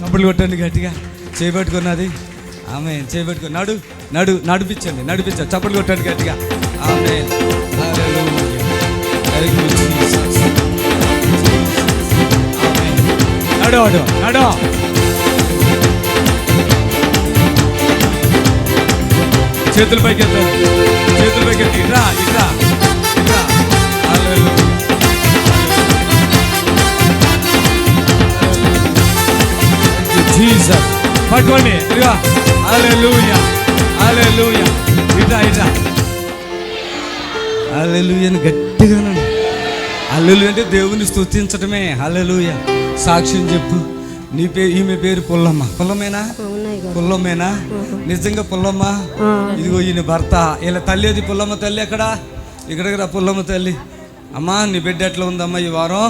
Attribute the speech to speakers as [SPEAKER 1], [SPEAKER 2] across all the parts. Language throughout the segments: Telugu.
[SPEAKER 1] చప్పట్లు కొట్టండి గట్టిగా. చేయబట్టుకున్నది ఆమె చేయబట్టుకుని నడిపించండి చప్పట్లు కొట్టండి గట్టిగా. ఆమె నడు చేతుల పైకి ఎత్తి ఇట్రా జీసస్ పట్టుకోండి. ఇదిగో హల్లెలూయా ఇట్రా హల్లెలూయాని గట్టిగా హల్లెలూయా అంటే దేవుని స్తుతించటమే. హల్లెలూయా. సాక్ష్యం చెప్పు. ఈమె పేరు పుల్లమ్మేనా? నిజంగా పుల్లమ్మ? ఇదిగో ఈయన భర్త. ఇలా తల్లి అది పుల్లమ్మ తల్లి. ఇక్కడ పుల్లమ్మ తల్లి. అమ్మా నీ బిడ్డ ఎట్లా ఉందమ్మా ఈ వారం?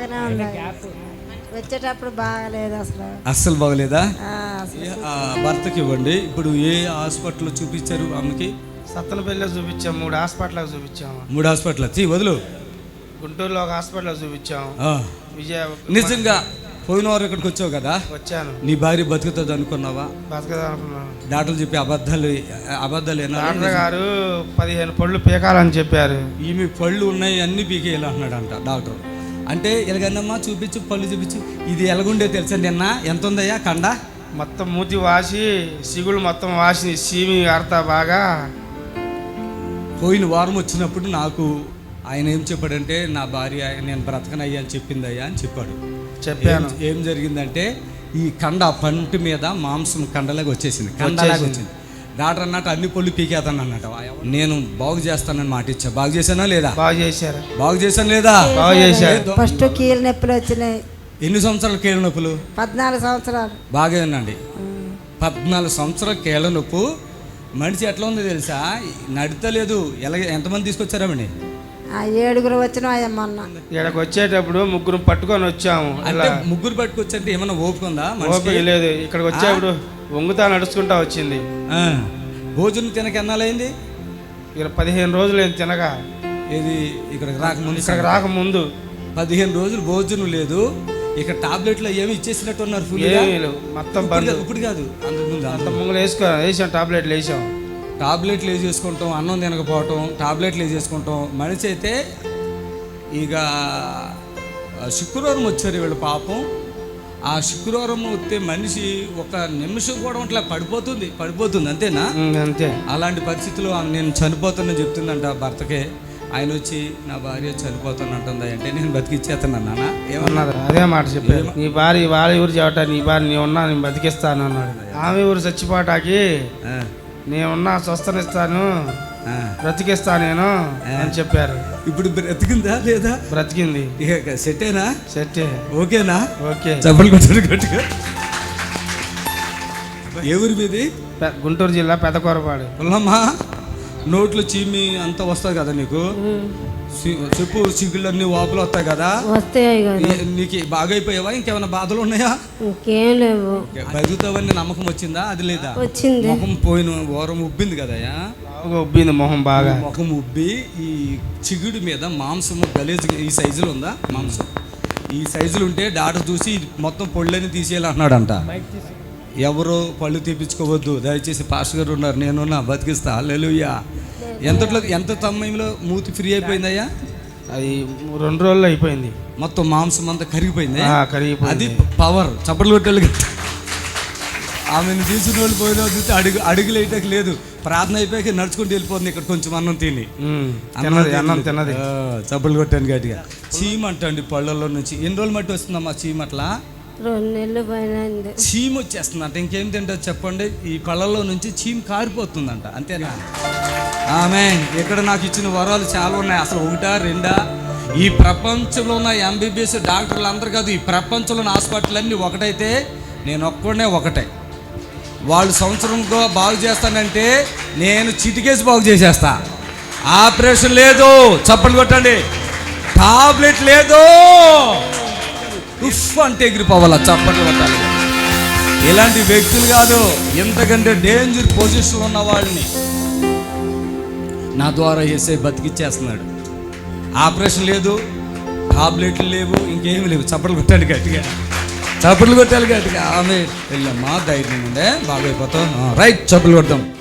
[SPEAKER 2] వచ్చేటప్పుడు బాగలేదు,
[SPEAKER 1] అస్సలు బాగలేదా? భర్తకి ఇవ్వండి. ఇప్పుడు ఏ హాస్పిటల్ చూపించారు అమ్మకి?
[SPEAKER 3] సత్తనపల్లిలో చూపించాం, 3 హాస్పిటల్ చూపించాము.
[SPEAKER 1] 3 హాస్పిటల్ వదులు.
[SPEAKER 3] గుంటూరులో ఒక హాస్పిటల్ చూపించాము.
[SPEAKER 1] నిజంగా పోయిన వారు ఇక్కడికి వచ్చావు కదా?
[SPEAKER 3] వచ్చాను.
[SPEAKER 1] నీ భార్య బతుకుతుంది అనుకున్నావా?
[SPEAKER 3] బతుకుతానుకున్నాను.
[SPEAKER 1] డాక్టర్లు చెప్పి అబద్ధాలు
[SPEAKER 3] డాక్టర్ గారు 15 పళ్ళు పీకాలని చెప్పారు.
[SPEAKER 1] ఈమె పళ్ళు ఉన్నాయి అన్ని పీకేయాలి అంటున్నాడంట డాక్టర్. అంటే ఎలాగన్నమ్మా చూపించు, పళ్ళు చూపించు. ఇది ఎలాగుండే తెలుసా? నిన్న ఎంత ఉందయ్యా కండ?
[SPEAKER 3] మొత్తం మూతి వాసి, సిగులు మొత్తం వాసి, సీమి ఆడతా బాగా.
[SPEAKER 1] పోయిన వారం వచ్చినప్పుడు నాకు ఆయన ఏం చెప్పాడంటే, నా భార్య నేను బ్రతకనయ్యా అని చెప్పిందయ్యా అని
[SPEAKER 3] చెప్పాను.
[SPEAKER 1] ఏం జరిగిందంటే ఈ కండ పంటి మీద మాంసం కండలాగా వచ్చేసింది, కండలాగా వచ్చింది. డాక్టర్ అన్నట్టు అన్ని పళ్ళు పీకేతాను అన్నట్టు. నేను బాగు చేస్తానని మాట ఇచ్చా. బాగు చేశానా లేదా? బాగు చేశాను లేదా?
[SPEAKER 3] బాగు చేశారు.
[SPEAKER 2] ఫస్ట్ కీళ్ళ నొప్పులు వచ్చినాయి.
[SPEAKER 1] ఎన్ని సంవత్సరాల కీళ్ళ నొప్పులు?
[SPEAKER 2] 14 సంవత్సరాలు.
[SPEAKER 1] బాగా వినండి. 14 సంవత్సరాల కీళ్ళ నొప్పు. మనిషి ఎట్లా ఉందో తెలుసా? నడతలేదు. ఎంతమంది తీసుకొచ్చారామండి?
[SPEAKER 2] 7 వచ్చినా. మొన్న
[SPEAKER 3] ఇక్కడికి వచ్చేటప్పుడు 3 పట్టుకొని వచ్చాము.
[SPEAKER 1] అంటే 3 పట్టుకొచ్చంటే ఏమన్నా ఓపిక ఉందా?
[SPEAKER 3] ఓపిక లేదు. ఇక్కడికి వచ్చేప్పుడు వంగుతా నడుచుకుంటా వచ్చింది.
[SPEAKER 1] భోజనం తినక ఎన్నాలైంది?
[SPEAKER 3] 15 రోజులు తినగా.
[SPEAKER 1] ఏది ఇక్కడికి
[SPEAKER 3] రాకముందు
[SPEAKER 1] 15 రోజులు భోజనం లేదు. ఇక్కడ టాబ్లెట్లు ఏమి ఇచ్చేసినట్టు ఉన్నారు.
[SPEAKER 3] మొత్తం
[SPEAKER 1] ఇప్పుడు కాదు,
[SPEAKER 3] అంత ముందు వేసాం. టాబ్లెట్లు
[SPEAKER 1] వేసేసుకుంటాం. అన్నం తినకపోవటం, టాబ్లెట్లు వేసేసుకుంటాం. మనిషి అయితే ఇక శుక్రవారం వచ్చారు వీళ్ళు పాపం. ఆ శుక్రవారం వస్తే మనిషి ఒక నిమిషం కూడా అట్లా పడిపోతుంది. అంతేనా?
[SPEAKER 3] అంతే.
[SPEAKER 1] అలాంటి పరిస్థితుల్లో నేను చనిపోతానని చెప్తుందంట భర్తకే. ఆయన వచ్చి నా భార్య చనిపోతానంటుందా అంటే నేను బతికిచ్చేస్తాను అన్నానా?
[SPEAKER 3] ఏమన్నారు? అదే మాట చెప్పారు. నీ భార్య వాళ్ళ ఊరు చెబుతా, నీ భార్య నీ ఉన్నా నేను బతికిస్తాను అన్నాడు. ఆమె ఊరు చచ్చిపోటాకి నేనున్నా స్వస్థనిస్తాను, బ్రతికిస్తాను నేను అని చెప్పారు.
[SPEAKER 1] ఇప్పుడు బ్రతికిందా లేదా?
[SPEAKER 3] బ్రతికింది.
[SPEAKER 1] సెట్టేనా?
[SPEAKER 3] సెట్టే.
[SPEAKER 1] ఓకేనా?
[SPEAKER 3] ఓకే.
[SPEAKER 1] చెప్పలు కొట్టారు గట్టిగా. ఏ ఊరి మీది?
[SPEAKER 3] గుంటూరు జిల్లా పెదకొరపాడు.
[SPEAKER 1] పుల్లమ్మా, నోట్లో చీమి అంతా వస్తుంది కదా నీకు? చెప్పు. సిగ్గులన్నీ వాపులు వస్తాయి కదా? నీకు బాగా అయిపోయావా? ఇంకేమైనా బాధలు ఉన్నాయా?
[SPEAKER 2] ఇంకేం లేవు.
[SPEAKER 1] బతుకుతావని నమ్మకం వచ్చిందా? అది లేదా?
[SPEAKER 2] వచ్చింది.
[SPEAKER 1] ముఖం పోయిన వారం ఉబ్బింది కదయ్యా?
[SPEAKER 3] ఉబ్బింది మొహం బాగా.
[SPEAKER 1] ముఖం ఉబ్బి ఈ చిగుడు మీద మాంసము గలేజ్ ఈ సైజులో ఉందా? మాంసం ఈ సైజులు ఉంటే డాక్టర్ చూసి మొత్తం పళ్ళని తీసేయాలంటున్నాడంట. ఎవరు పళ్ళు తీపించుకోవద్దు దయచేసి. పాస్టర్ గారు ఉన్నారు, నేనున్నా, బతికిస్తా. హల్లెలూయా. ఎంత సమయంలో మూతి ఫ్రీ అయిపోయిందయ్యా?
[SPEAKER 3] అది 2 రోజుల్లో అయిపోయింది.
[SPEAKER 1] మొత్తం మాంసం అంతా కరిగిపోయింది.
[SPEAKER 3] అది
[SPEAKER 1] పవర్. చప్పట్లు కొట్టాలి. ఆమెను తీసుకుని వాళ్ళు పోయిన చూస్తే అడుగులు వేయటం లేదు. ప్రార్థన అయిపోయాక నడుచుకుంటూ వెళ్ళిపోతుంది. ఇక్కడ కొంచెం అన్నం తిని
[SPEAKER 3] అన్నం తిన్నది.
[SPEAKER 1] చప్పట్లు కొట్టాను గట్టిగా. చీమ అంటండి పళ్ళల్లో నుంచి. ఎన్ని రోజులు మట్టి వస్తుందమ్మా చీమ? అట్లా
[SPEAKER 2] 2 నెలలు పైన
[SPEAKER 1] చీమ వచ్చేస్తుందంట. ఇంకేం తింటారు చెప్పండి? ఈ పళ్ళల్లో నుంచి చీమ కారిపోతుందంట. అంతేనా? ఆమేన్. ఇక్కడ నాకు ఇచ్చిన వరాలు చాలా ఉన్నాయి. అసలు 1, 2 ఈ ప్రపంచంలో ఉన్న MBBS డాక్టర్లు అందరు కాదు, ఈ ప్రపంచంలో ఉన్న హాస్పిటల్ అన్నీ ఒకటైతే నేను ఒకటే. వాళ్ళు సంవత్సరంలో బాగు చేస్తానంటే నేను చిటికేసి బాగు చేసేస్తా. ఆపరేషన్ లేదు, చప్పట్లు కొట్టండి. టాబ్లెట్ లేదు, ఉఫ్ అంటే ఎగిరిపోవాలా, చప్పట్లు కొట్టాలి. ఇలాంటి వ్యక్తులు కాదు, ఎంతకంటే డేంజర్ పొజిషన్లో ఉన్న వాళ్ళని నా ద్వారా యేసయ్య బతికిచ్చేస్తున్నాడు. ఆపరేషన్ లేదు, టాబ్లెట్లు లేవు, ఇంకేమి లేవు. చప్పట్లు కొట్టండి గట్టిగా. చప్పట్లు కొట్టాలి గట్టిగా. ఆమె వెళ్ళమ్మా, ధైర్యం ఉండే బాగైపోతాం. రైట్, చప్పట్లు కొడతాం.